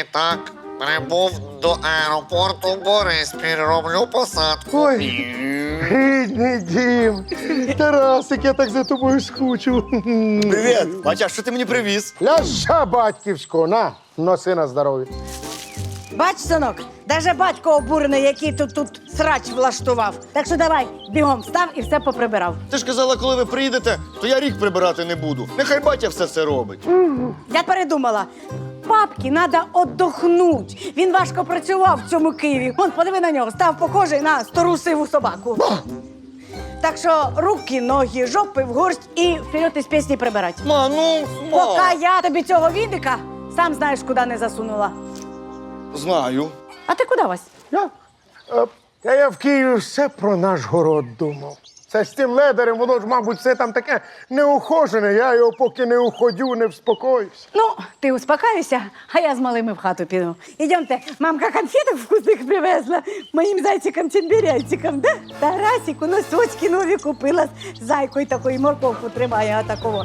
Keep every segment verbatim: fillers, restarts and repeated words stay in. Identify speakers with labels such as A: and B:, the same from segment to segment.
A: літак прибув до аеропорту Бориспіль. Роблю посадку.
B: Ой, рідний дім. Тарасик, я так за тобою скучу.
C: Привіт! Батя, що ти мені привіз?
B: Ляща батьківського, на, носи на здоров'я.
D: Бач, синок, даже батько обурений, який тут тут срач влаштував. Так що давай, бігом встав і все поприбирав.
C: Ти ж казала, коли ви приїдете, то я рік прибирати не буду. Нехай батя все це робить.
D: Я передумала. Папки треба отдохнуть. Він важко працював в цьому Києві. Вон, подиви на нього, став похожий на стару сиву собаку. Так що руки, ноги, жопи в горсть і вперед із пісні прибирати.
C: Ма, ну, ма.
D: Поки я тобі цього відика, сам знаєш, куди не засунула.
C: Знаю.
D: А ти куди, Вась?
B: Я? Е, Та я в Києві все про наш город думав. Це з тим ледарем, воно ж, мабуть, все там таке неухожене. Я його поки не уходю, не вспокоюсь.
D: Ну, ти успокайся, а я з малими в хату піду. Ідемте, мамка конфеток вкусних привезла моїм зайчикам-чембіряйчикам, да? Тарасику носочки нові купила з зайкою такою, морковку тримає, а такого.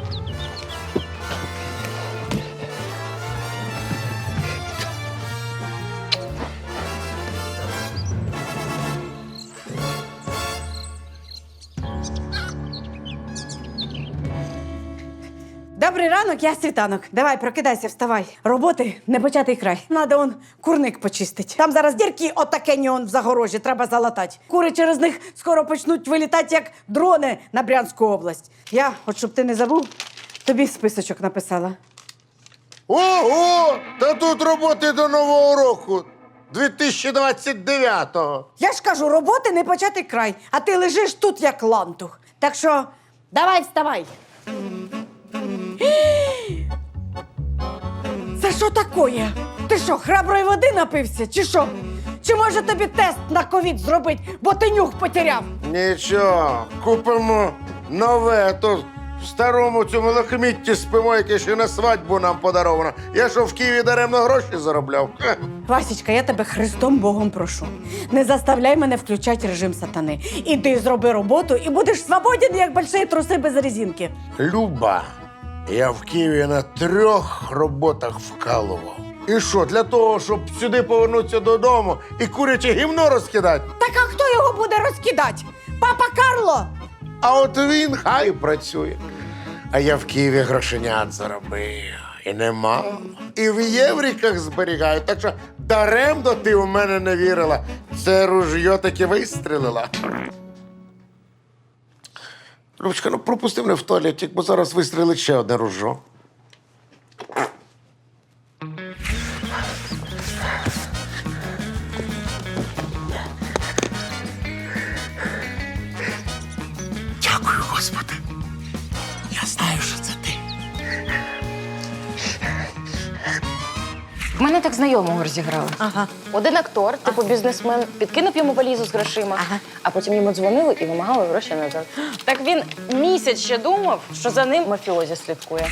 D: Добрий ранок, я світанок. Давай, прокидайся, вставай. Роботи не початий край. Надо он курник почистить. Там зараз дірки отакені он в загорожі, треба залатати. Кури через них скоро почнуть вилітати, як дрони на Брянську область. Я, от щоб ти не забув, тобі списочок написала.
B: Ого! Та тут роботи до Нового року. дві тисячі двадцять дев'ятого.
D: Я ж кажу, роботи не початий край, а ти лежиш тут, як лантух. Так що, давай, вставай. Це що таке? Ти що, храброї води напився, чи що? Чи може тобі тест на ковід зробити, бо ти нюх потеряв?
B: Нічого, купимо нове, а то в старому цьому лахмітті спимо, яке ще на свадьбу нам подаровано. Я що в Києві даремно гроші заробляв? Ха.
D: Васічка, я тебе Христом Богом прошу. Не заставляй мене включати режим сатани. Іди зроби роботу і будеш свободен, як больші труси без резинки.
B: Люба, я в Києві на трьох роботах вкалував. І що, для того, щоб сюди повернутися додому і куряче гівно розкидати?
D: Так а хто його буде розкидати? Папа Карло?
B: А от він хай працює. А я в Києві грошенят заробив. І нема. І в євриках зберігаю. Так що даремно ти у мене не вірила. Це ружьо таки вистрілила. Любочка, ну пропусти мене в туалетик, бо зараз вистрілить ще одне ружьо. Дякую, Господи. Я знаю, що це ти.
E: В мене так знайомого розіграли.
D: Ага.
E: Один актор, типу бізнесмен, підкинув йому валізу з грошима,
D: Ага.
E: а потім йому дзвонили і вимагали гроші назад. Так він місяць ще думав, що за ним мафіозі слідкує.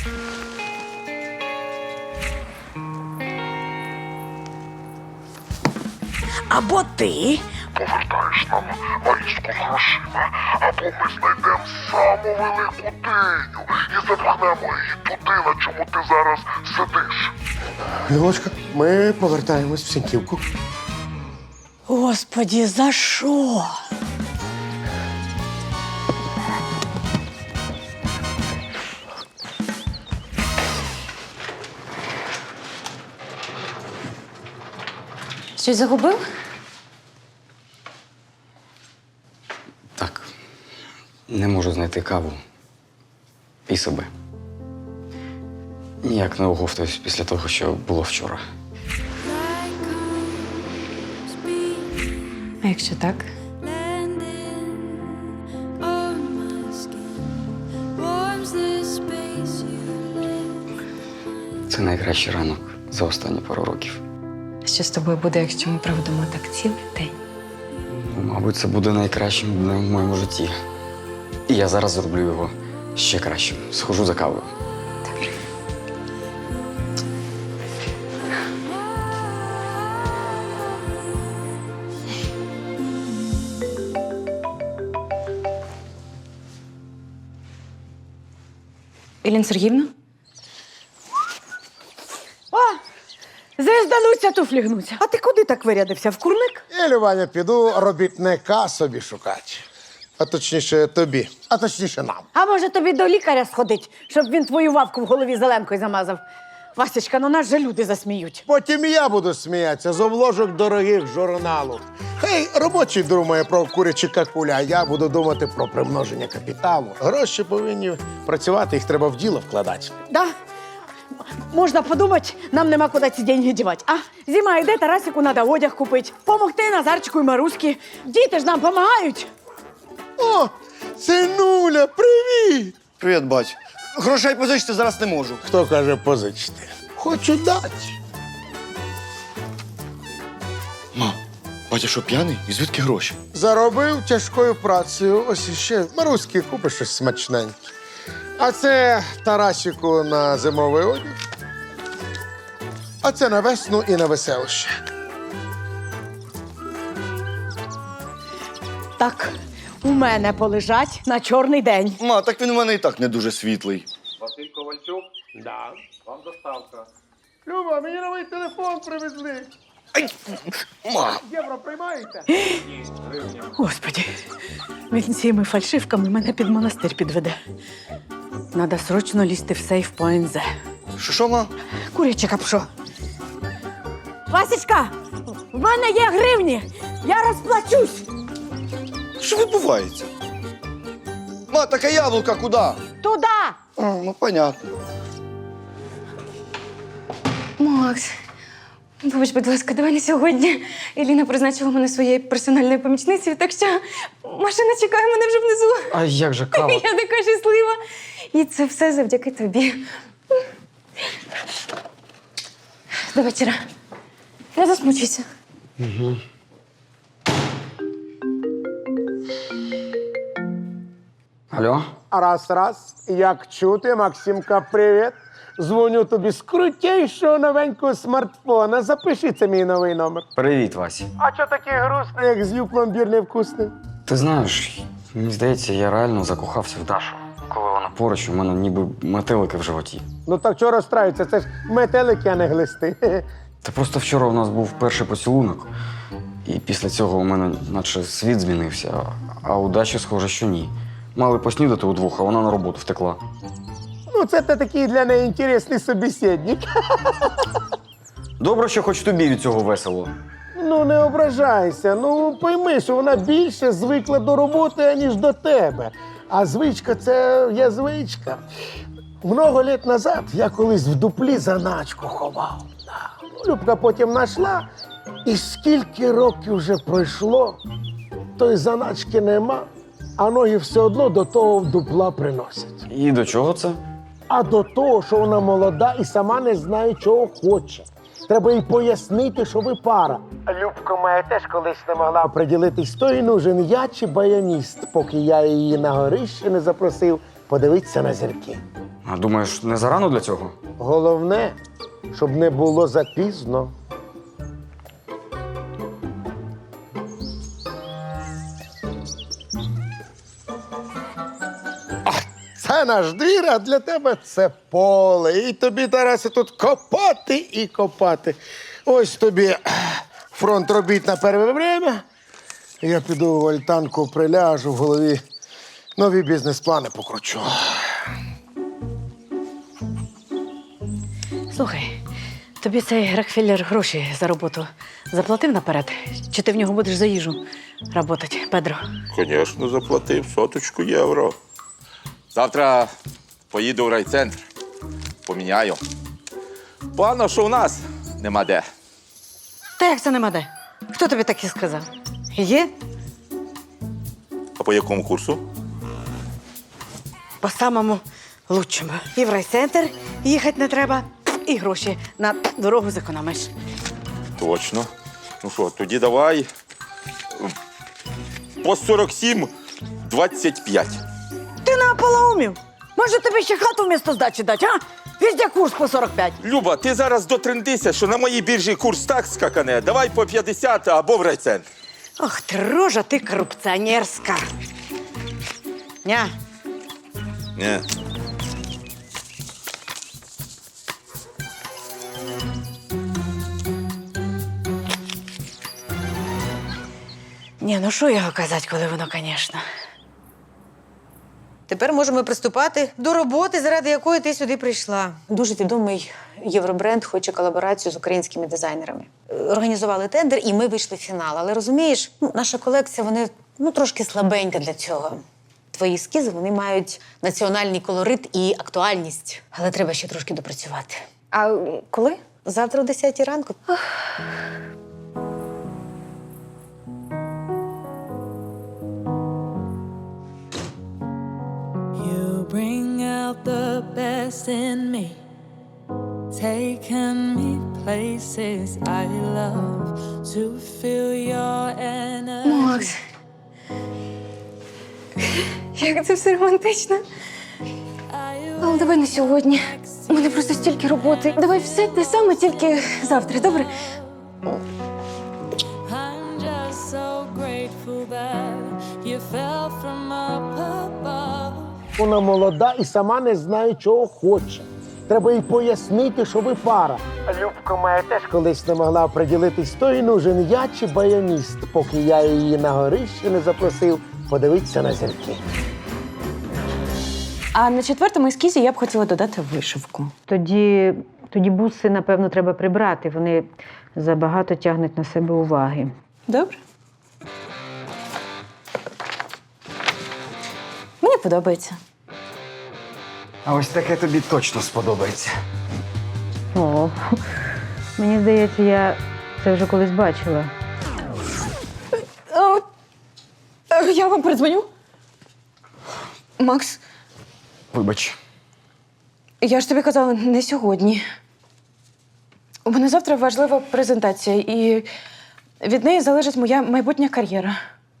D: Або ти,
F: Повертаєш нам валізку з грошима, або ми знайдемо саму велику диню і запхнемо її туди, на чому ти зараз сидиш.
B: Любочка, ми повертаємось в Сіньківку.
D: Господі, за що?
E: Щось загубив?
G: Так. Не можу знайти каву і себе. Ніяк не оговтуюсь після того, що було вчора.
E: А якщо так?
G: Це найкращий ранок за останні пару років.
E: Що з тобою буде, якщо ми проведемо так цілий день?
G: Ну, мабуть, це буде найкращим днем в моєму житті. І я зараз зроблю його ще кращим. Схожу за кавою.
E: Еліна Сергіївна?
D: О, звіздануться туфлі гнуться. А ти куди так вирядився? В курник?
B: Я, Любаня, піду робітника собі шукати. А точніше тобі, а точніше нам.
D: А може тобі до лікаря сходить, щоб він твою вавку в голові зеленкою замазав? Васечка, ну нас же люди засміють.
B: Потім і я буду сміятися з обложок дорогих журналу. Хай робочий думає про курячі какуля, а я буду думати про примноження капіталу. Гроші повинні працювати, їх треба в діло вкладати.
D: Да? Можна подумати, нам нема куди ці деньги дівати. А зима йде, Тарасику треба одяг купити. Помогти Назарчику і Маруськи. Діти ж нам допомагають.
B: О, синуля, привіт!
C: Привіт, бать. Грошей позичити зараз не можу.
B: Хто каже позичити? Хочу дати.
C: Ма, батя що, п'яний? І звідки гроші?
B: Заробив тяжкою працею. Ось іще Маруськи купиш щось смачненьке. А це Тарасику на зимовий одяг. А це на весну і на веселище.
D: Так, у мене полежать на чорний день.
C: Ма, так він у мене і так не дуже світлий.
H: Василь Ковальчук,
B: Да.
H: вам доставка.
B: Люба, мені новий телефон привезли.
C: Ай, ма.
B: Євро приймаєте?
D: Господи, він цими фальшивками мене під монастир підведе. Надо срочно лізти в сейф по ензе.
C: Що, що, ма?
D: Куряче капшо. Васечка, в мене є гривні. Я розплачусь.
C: Що відбувається? Ма, така яблука куди?
D: Туда.
C: А, ну, понятно.
I: Макс, вибач, будь ласка, давай не сьогодні. Еліна призначила мене своєю персональною помічницею, так що машина чекає мене вже внизу.
G: А як же кава?
I: Я така щаслива. І це все завдяки тобі. До вечора. Не засмучуйся.
G: Алло?
B: Раз, раз. Як чути, Максимка, привіт. Дзвоню тобі з крутейшого новенького смартфона. Запиши, це мій новий номер.
G: Привіт, Вася.
B: А чого такий грустний, як з'їв пломбір невкусний?
G: Ти знаєш, мені здається, я реально закохався в Дашу. Коли вона поруч, у мене ніби метелики в животі.
B: Ну так чого розстраюється? Це ж метелики, а не глисти.
G: Та просто вчора у нас був перший поцілунок, і після цього у мене наче світ змінився, а у Даші, схоже, що ні. Мали поснідати удвох, а вона на роботу втекла.
B: Ну, це ти такий для неї інтересний собеседник.
G: Добре, що хоч тобі від цього весело.
B: Ну, не ображайся. Ну, пойми, що вона більше звикла до роботи, аніж до тебе. А звичка – це є звичка. Много літ назад я колись в дуплі заначку ховав. Да. Ну, Любка потім знайшла, і скільки років вже пройшло, тої заначки нема, а ноги все одно до того дупла приносять.
G: І до чого це?
B: А до того, що вона молода і сама не знає, чого хоче. Треба їй пояснити, що ви пара. Любка моя теж колись не могла приділитись, то й нужен я чи баяніст, поки я її на горище не запросив подивитися на зірки.
G: А думаєш, не зарано для цього?
B: Головне, щоб не було запізно. Це наш двір, а для тебе це поле. І тобі, Тарасе, тут копати і копати. Ось тобі фронт робіт на перше время. Я піду в альтанку, приляжу, в голові нові бізнес-плани покручу.
D: Слухай, тобі цей Рокфеллер гроші за роботу заплатив наперед? Чи ти в нього будеш за їжу працювати, Педро?
J: Звісно, заплатив соточку євро. Завтра поїду в райцентр. Поміняю. Погано, що у нас нема де.
D: Та як це нема де? Хто тобі таке сказав? Є?
J: А по якому курсу?
D: По самому лучшому. І в райцентр їхати не треба, і гроші на дорогу зекономиш.
J: Точно. Ну що, тоді давай по сорок сім двадцять п'ять.
D: Ти на полоумів? Може тобі ще хату вмісто здачі дати, а? Візде курс по сорок п'ять.
J: Люба, ти зараз дотрендися, що на моїй біржі курс так скакане. Давай по п'ятдесят або в райцентр.
D: Ох, ти рожа, ти корупціонерська. Ня.
J: Ні.
D: Ні, ну що його казати, коли воно, звісно.
K: Тепер можемо приступати до роботи, заради якої ти сюди прийшла. Дуже відомий євробренд хоче колаборацію з українськими дизайнерами. Організували тендер, і ми вийшли в фінал. Але розумієш, ну, наша колекція, вони ну, трошки слабенька для цього. Твої ескізи, вони мають національний колорит і актуальність. Але треба ще трошки допрацювати.
E: А коли?
K: Завтра о десятій ранку.
L: You bring out the best in me, taking me places I love to feel your energy.
I: Макс. Як це все романтично. Але давай не сьогодні. У мене просто стільки роботи. Давай все те саме, тільки завтра, добре?
L: I'm just so grateful that you fell from up above.
B: Вона молода і сама не знає, чого хоче. Треба їй пояснити, що ви пара. Любка моя теж колись не могла приділитись, то й нужен я чи баяніст, поки я її на горище не запросив подивитися на зірки.
E: А на четвертому ескізі я б хотіла додати вишивку.
K: Тоді, тоді буси, напевно, треба прибрати. Вони забагато тягнуть на себе уваги.
E: Добре? Мені подобається.
G: А ось таке тобі точно сподобається.
K: О, мені здається, я це вже колись бачила.
E: Я вам передзвоню. Макс,
G: Вибач.
E: я ж тобі казала, не сьогодні. У мене завтра важлива презентація, і від неї залежить моя майбутня кар'єра.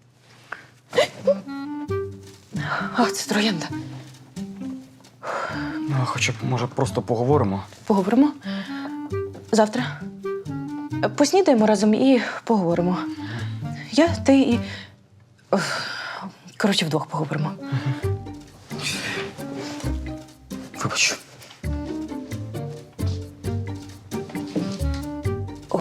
E: Ах, це троянда.
G: Ну, а хоча б, може, просто поговоримо.
E: Поговоримо? Завтра. Поснідаємо разом і поговоримо. Я, ти і. Ох, коротше, вдвох поговоримо.
G: Вибач.
E: О.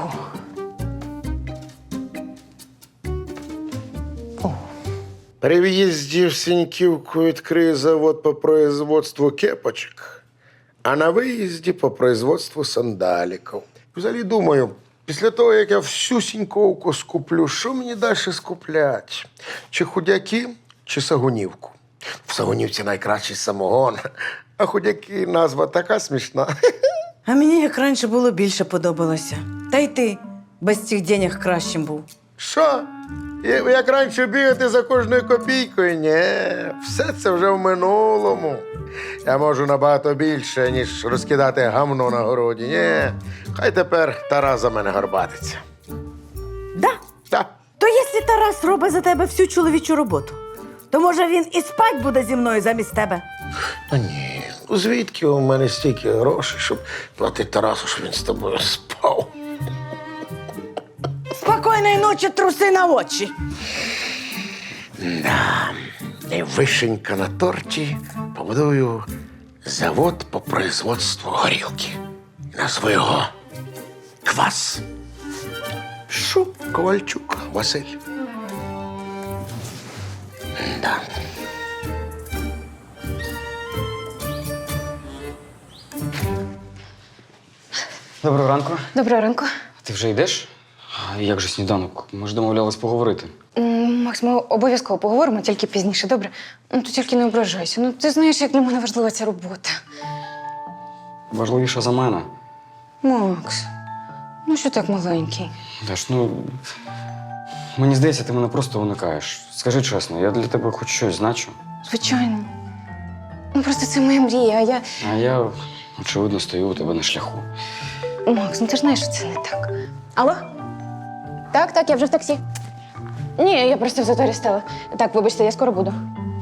E: О.
B: При в'їзді в Сіньківку відкриє завод по производству кепочок, а на виїзді по производству сандаліків. Взагалі думаю, після того, як я всю Сіньковку скуплю, що мені далі скупляти? Чи худяки, чи сагунівку? В Сагунівці найкращий самогон, а худяки назва така смішна.
D: А мені як раніше було більше подобалося. Та й ти без цих денег кращим був.
B: Що? Я- Як раніше бігати за кожною копійкою? Ні, все це вже в минулому. Я можу набагато більше, ніж розкидати гамно на городі. Ні, хай тепер Тарас за мене горбатиться.
D: Да?
B: Так.
D: То якщо Тарас робить за тебе всю чоловічу роботу, то може він і спать буде зі мною замість тебе?
B: Та ні, ну звідки у мене стільки грошей, щоб платити Тарасу, щоб він з тобою спав?
D: Спокійної ночі, труси на очі.
B: Да. І вишенька на торті побудую завод по производству горілки. Назву його Квас. Що? Ковальчук Василь. Да.
G: Доброго ранку.
E: Доброго ранку.
G: Ти вже йдеш? А як же сніданок? Ми ж домовлялись поговорити.
E: М, Макс, ми обов'язково поговоримо, тільки пізніше, добре? Ну, ти тільки не ображайся. Ну, ти знаєш, як для мене важлива ця робота.
G: Важливіше за мене.
E: Макс, ну що так маленький?
G: Даш, ну. Мені здається, ти мене просто уникаєш. Скажи чесно, я для тебе хоч щось значу.
E: Звичайно. Ну, просто це моя мрія, а я.
G: А я, очевидно, стою у тебе на шляху.
E: Макс, ну ти ж знаєш, що це не так. Алло? Так, так, я вже в таксі. Ні, я просто в заторі стала. Так, вибачте, я скоро буду.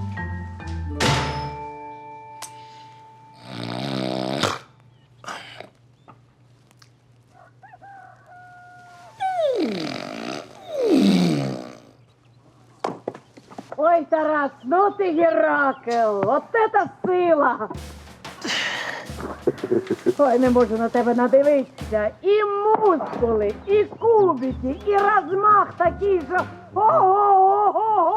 D: Ой, Тарас, ну ти Геракл, от це сила. Ой, не можу на тебе надивитися. І мускули, і кубики, і розмах такий, що ого!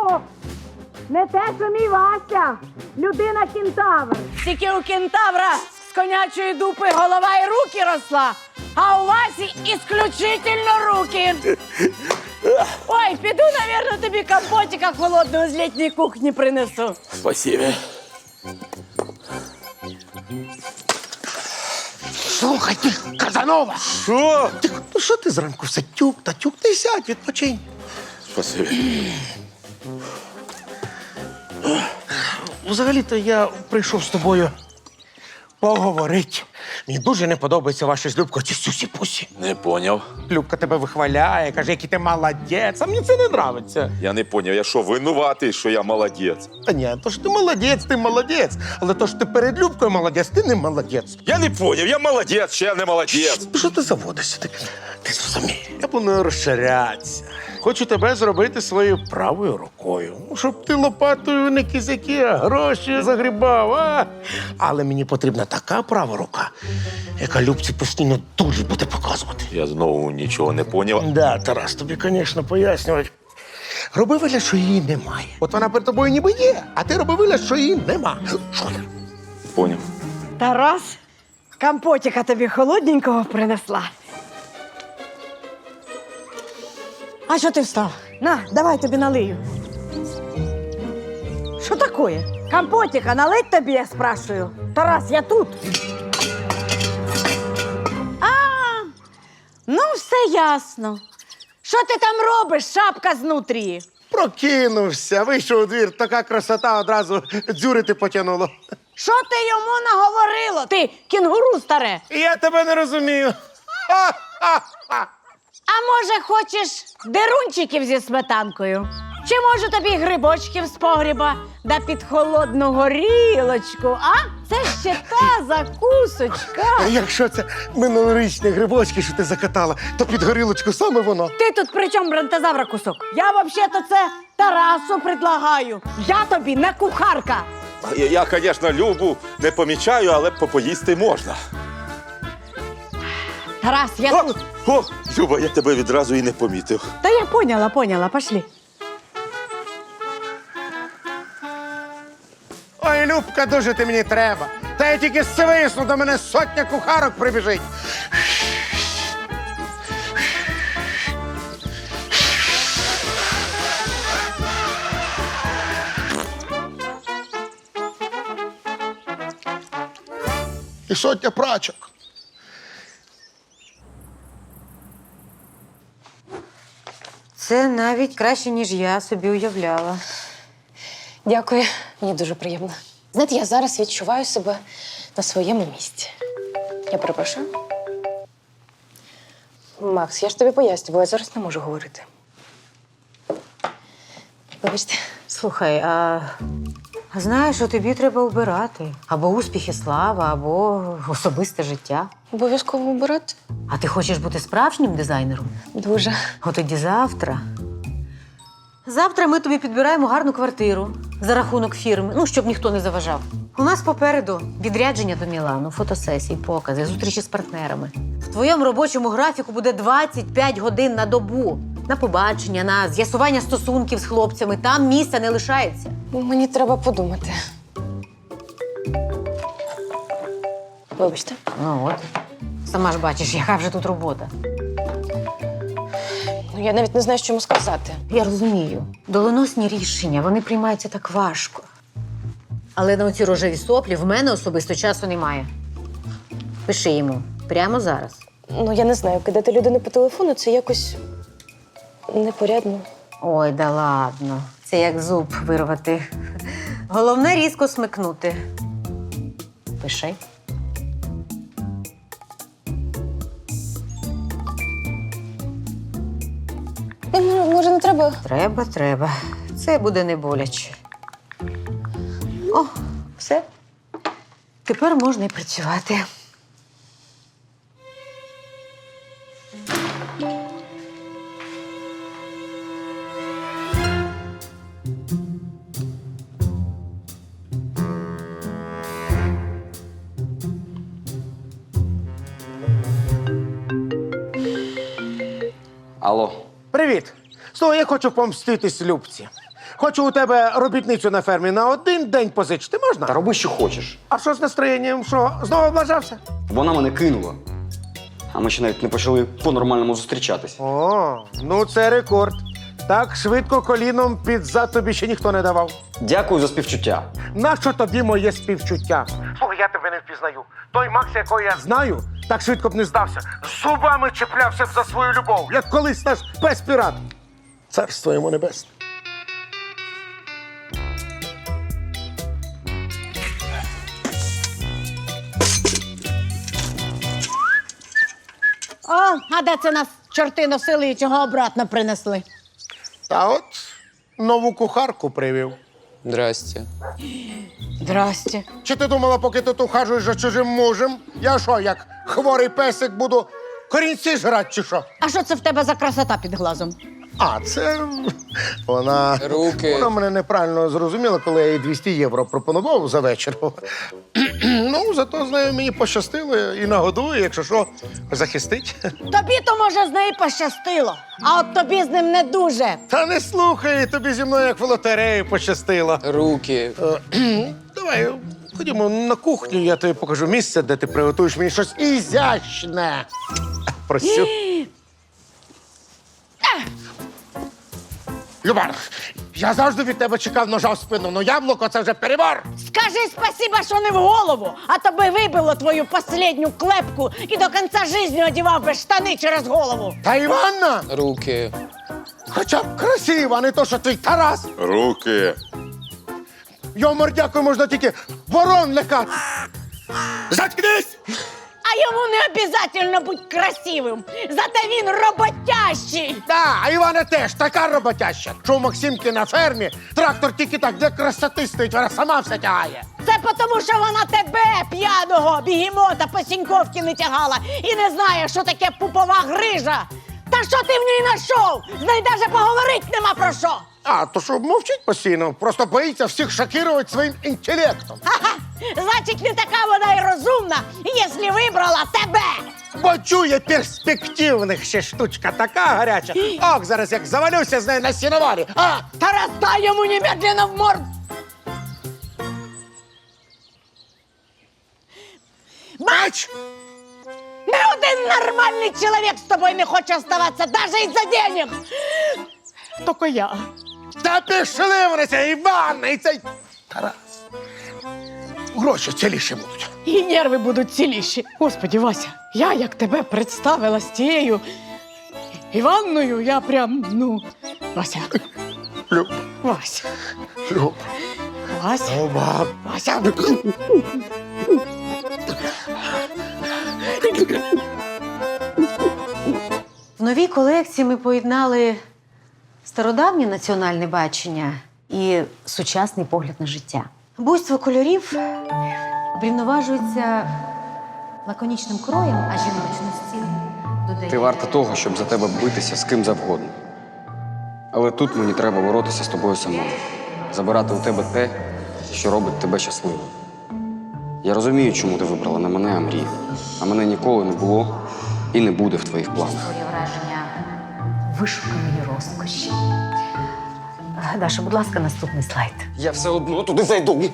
D: О! Не те, що мій Вася! Людина кентавр! Тільки у кентавра з конячої дупи голова і руки росла, а у Васі ісключительно руки! Ой, піду, навірно, тобі компотика холодного з літньої кухні принесу.
J: Спасибо.
B: Слухай ти, Казанова!
C: Що?
B: Ти, ну що ти зранку все тюк та тюк? Ти сядь, відпочинь.
J: Спасибо.
B: Взагалі-то я прийшов з тобою поговорити. Мені дуже не подобається ваша з Любкою ці сюсі-пусі.
J: Не поняв.
B: Любка тебе вихваляє, каже, який ти молодець, а мені це не нравиться.
J: Я не поняв. Я що, винуватий, що я молодець?
B: Та ні, то ж ти молодець, ти молодець. Але то ж ти перед Любкою молодець, ти не молодець.
J: Я не поняв. Я молодець, ще я не молодець.
B: Що ти заводишся? Ти, ти зрозумій. Я планую розширятися. Хочу тебе зробити своєю правою рукою. Ну, щоб ти лопатою не кізяки, а гроші загрібав. А? Але мені потрібна така права рука, яка Любці постійно дуже буде показувати.
J: Я знову нічого не поняв.
B: Да, Тарас, тобі, звісно, пояснювати. Роби вигляд, що її немає. От вона перед тобою ніби є, а ти роби вигляд, що її нема. Що я?
J: Поняв.
D: Тарас, компотика тобі холодненького принесла. А що ти встав? На, давай тобі налию. Що таке? Компотика налить тобі, я спрашую. Тарас, я тут. А, ну все ясно. Що ти там робиш, шапка знутрі?
B: Прокинувся, вийшов у двір, така красота одразу дзюрити потягнуло.
D: Що ти йому наговорило? Ти кінгуру старе.
B: Я тебе не розумію. Ха-ха-ха.
D: А може, хочеш дерунчиків зі сметанкою? Чи може тобі грибочків з погріба да під холодну горілочку, а? Це ще та закусочка.
B: Якщо це минулорічні грибочки, що ти закатала, то під горілочку саме воно.
D: Ти тут при чому бронтозавра кусок? Я взагалі-то це Тарасу предлагаю. Я тобі не кухарка.
J: Я, я, звісно, Любу не помічаю, але попоїсти можна.
D: Тарас, я
J: О,
D: тут.
J: о, Люба, я тебе відразу і не помітив.
D: Та я поняла, поняла, пошли.
B: Ой, Любка, дуже ти мені треба. Та я тільки свисну, до мене сотня кухарок прибіжить. І сотня прачок.
K: Це навіть краще, ніж я собі уявляла.
E: Дякую, мені дуже приємно. Знаєте, я зараз відчуваю себе на своєму місці. Я перепрошую. Макс, я ж тобі пояснювала, я зараз не можу говорити. Вибачте.
K: Слухай, а а знаєш, що тобі треба обирати? Або успіх і слава, або особисте життя.
E: Обов'язково обирати?
K: А ти хочеш бути справжнім дизайнером?
E: Дуже.
K: От тоді завтра. Завтра ми тобі підбираємо гарну квартиру за рахунок фірми, ну, щоб ніхто не заважав. У нас попереду відрядження до Мілану, фотосесії, покази, зустрічі з партнерами. В твоєму робочому графіку буде двадцять п'ять годин на добу. На побачення, на з'ясування стосунків з хлопцями. Там місця не лишається.
E: Мені треба подумати. Вибачте.
K: Ну от. Сама ж бачиш, яка вже тут робота.
E: Ну, я навіть не знаю, що йому сказати.
K: Я розумію. Доленосні рішення, вони приймаються так важко. Але на оці рожеві соплі в мене особисто часу немає. Пиши йому. Прямо зараз.
E: Ну, я не знаю, кидати людину по телефону це якось непорядно.
K: Ой, да ладно. Це як зуб вирвати. Головне різко смикнути. Пиши.
E: Ну, може, не треба?
K: Треба, треба. Це буде не боляче. О, все. Тепер можна і працювати.
G: Алло.
B: Привіт. Слухай, я хочу помститись Любці. Хочу у тебе робітницю на фермі на один день позичити. Можна?
G: Та роби, що хочеш.
B: А що з настроєнням? Що, знову облажався?
G: Вона мене кинула. А ми ще навіть не почали по-нормальному зустрічатись.
B: О, ну це рекорд. Так швидко коліном під зад тобі ще ніхто не давав.
G: Дякую за співчуття.
B: Нащо тобі моє співчуття? Слухай, я тебе не впізнаю. Той Макс, якого я знаю, так швидко б не здався. Зубами чіплявся б за свою любов, як колись наш пес-пірат. Царство йому небесне.
D: О, а де це нас чорти носили і чого обратно принесли?
B: Та от нову кухарку привів.
H: Здрасте.
D: Здрасте.
B: Чи ти думала, поки ти тут ухажуєш за чужим мужем? Я що, як хворий песик буду корінці жрати чи що?
D: А що це в тебе за красота під глазом?
B: А, це вона.
H: Руки.
B: Вона мене неправильно зрозуміла, коли я їй двісті євро пропонував за вечір. Ну, зато з нею мені пощастило і нагодує, якщо що, захистить.
D: Тобі то, може, з нею пощастило, а от тобі з ним не дуже.
B: Та не слухай, тобі зі мною як в лотереї пощастило.
H: Руки.
B: Е, Давай, ходімо на кухню, я тобі покажу місце, де ти приготуєш мені щось ізящне. Просю. Люба, я завжди від тебе чекав ножа в спину, но яблуко це вже перебор.
D: Скажи спасіба, що не в голову, а то би вибило твою последню клепку і до кінця життя одівав би штани через голову.
B: Та Іванна,
H: Руки.
B: хоча б красива, а не то, що твій Тарас.
J: Руки.
B: Його мордякою можна тільки ворон лякати. Заткнись!
D: А йому не обов'язково бути красивим, зате він роботящий.
B: Да, а Івана теж така роботяща, що у Максимки на фермі трактор тільки так для красоти стоїть, вона сама все тягає.
D: Це тому, що вона тебе, п'яного бігемота, по сіньковки не тягала і не знає, що таке пупова грижа. Та що ти в ній знайшов? З нею навіть поговорити нема про що.
B: А, то що мовчить постійно, просто боїться всіх шокувати своїм інтелектом.
D: Ха-ха! Значить, не така вона й розумна, якщо вибрала тебе.
B: Бо чує перспективних ще штучка така гаряча. Ох, зараз як завалюся з нею на сіноварі. А,
D: Тарас, дай йому немедленно в морду.
B: бач!
D: Ни один нормальний чоловік з тобою не хоче оставатися, навіть із-за денег. Тільки я.
B: Та пішли вони, цей Іван і цей Тарас. Гроші ціліші будуть.
D: І нерви будуть ціліші. Господи, Вася, я як тебе представила з тією Іванною, я прям, ну, Вася.
B: Люб,
D: Вася.
B: Люб.
D: Вася.
B: О, баб.
D: Вася.
K: В новій колекції ми поєднали стародавнє національне бачення і сучасний погляд на життя. Буйство кольорів врівноважується лаконічним кроєм, а жіночності додає...
G: Ти варта того, щоб за тебе битися з ким завгодно. Але тут мені треба боротися з тобою самою. Забирати у тебе те, що робить тебе щасливим. Я розумію, чому ти вибрала не мене, а мрію. А мене ніколи не було і не буде в твоїх планах.
K: Створює враження вишуканої розкоші. Даша, будь ласка, наступний слайд.
G: Я все одно туди зайду.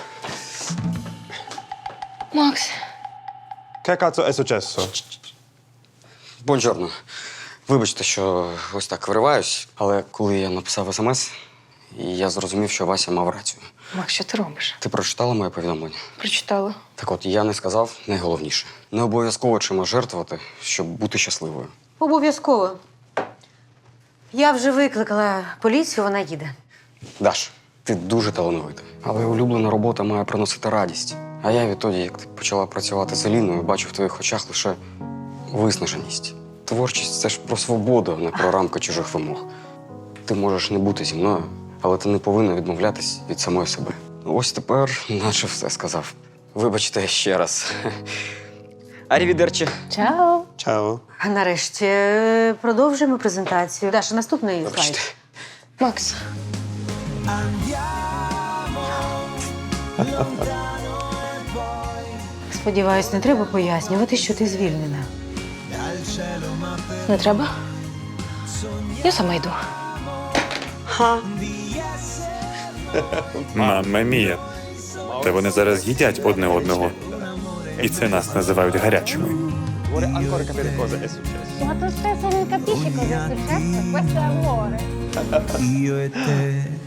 I: Макс,
M: Che cazzo è successo?
G: Бонжорно. Вибачте, що ось так вириваюсь, але коли я написав смс, я зрозумів, що Вася мав рацію.
E: Макс, що ти робиш?
G: Ти прочитала моє повідомлення?
E: Прочитала.
G: Так от, я не сказав найголовніше. Не обов'язково чимось жертвувати, щоб бути щасливою.
K: Обов'язково. Я вже викликала поліцію, вона їде.
G: Даш, ти дуже талановита. Але улюблена робота має приносити радість. А я відтоді, як ти почала працювати з Еліною, бачу в твоїх очах лише виснаженість. Творчість – це ж про свободу, а не про рамки чужих вимог. Ти можеш не бути зі мною, але ти не повинна відмовлятись від самої себе. Ось тепер наче все сказав. Вибачте ще раз. Арівідерчі.
K: Чао.
M: Ciao.
K: А нарешті е, продовжуємо презентацію. Даша, наступний
G: Вибачте.
K: слайд.
E: Макс,
K: Сподіваюсь, не треба пояснювати, що ти звільнена.
E: не треба? Я сама йду.
N: Мамма мія. Та вони зараз їдять одне одного. І це нас називають гарячими.
M: Vuole ancora capire cosa è successo.
I: Ma tu stesso non capisci cosa è successo? Questo è amore.
L: Io e te